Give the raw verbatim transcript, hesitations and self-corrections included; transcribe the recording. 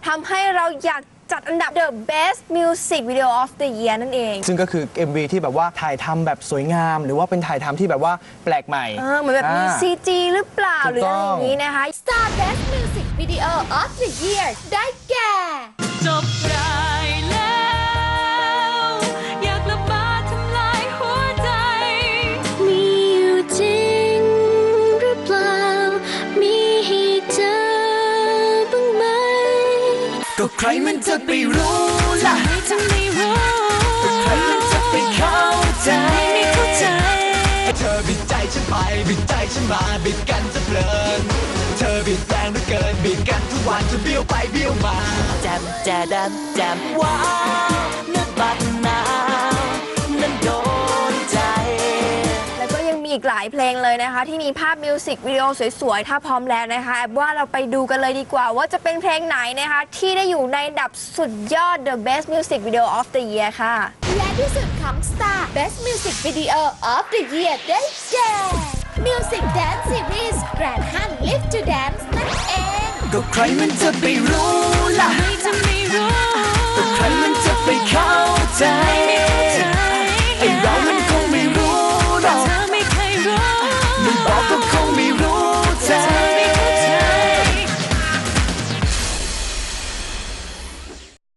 ทำให้เราอยากจัดอันดับ The Best Music Video of the Year นั่นเองซึ่งก็คือ เอ็ม วี ที่แบบว่าถ่ายทำแบบสวยงามหรือว่าเป็นถ่ายทำที่แบบว่าแปลกใหม่เออเหมือนแบบมี ซี จี หรือเปล่าหรืออะไรอย่างนี้นะคะ Star Best Music Video of the Year ได้แก่จบรายแล้วอยากละมาทำลายหัวใจมีอยู่จริงหรือเปล่ามีให้เจอบ้างไหมก็ใครมันจะไปรู้ล่ะไม่จะไม่รู้ก็ใครมันจะไปเข้าใจไม่เข้าใจเธอบิดใจฉันไปบิดใจฉันมาบิดกันจะเพลินเธอบิดแรงเหลือเกินบิดกันทุกวันจะเบี้ยวไปเบี้ยวมาแจมแจดำแจมว้าวนึกบัดนาวนั้นโดนใจแล้วก็ยังมีอีกหลายเพลงเลยนะคะที่มีภาพมิวสิกวิดีโอสวยๆถ้าพร้อมแล้วนะคะแอบว่าเราไปดูกันเลยดีกว่าว่าจะเป็นเพลงไหนนะคะที่ได้อยู่ในอันดับสุดยอด The Best Music Video of the Year ค่ะและที่สุดของ Star Best Music Video of the Year ได้แก่ Music Dance Series Grand Hunt Live to Dance นั่นเองก็ใครมันจะไปรู้ล่ะ